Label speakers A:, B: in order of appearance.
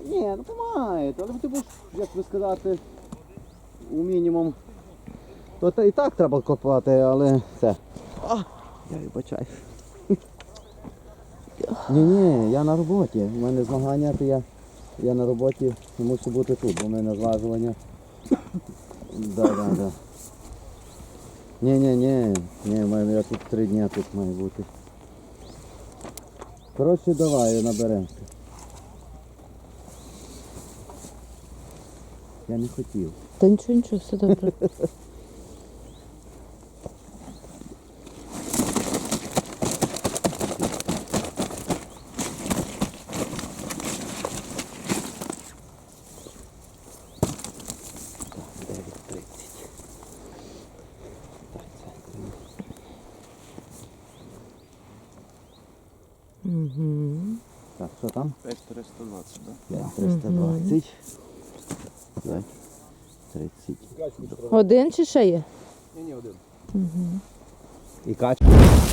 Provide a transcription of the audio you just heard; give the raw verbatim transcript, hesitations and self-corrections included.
A: Ні, ну помагає, але ти будеш, як би сказати, у мінімум. То та і так треба копати, але це. А, я вибачаю. Ні-ні, я на роботі. У мене змагання, то я, я на роботі мушу бути тут, бо в мене зважування. Да, да, да. Ні-ні-ні, ні, в мене я тут три дні тут має бути. Коротше, давай, наберемося. Я не хотів.
B: Та нічого, нічого, все добре. Угу.
A: Так, що там?
C: п'ять триста двадцять, так?
A: п'ять триста двадцять. п'ять тридцять.
B: Один чи ще є?
C: Ні, ні, один.
B: Угу.
A: І качка.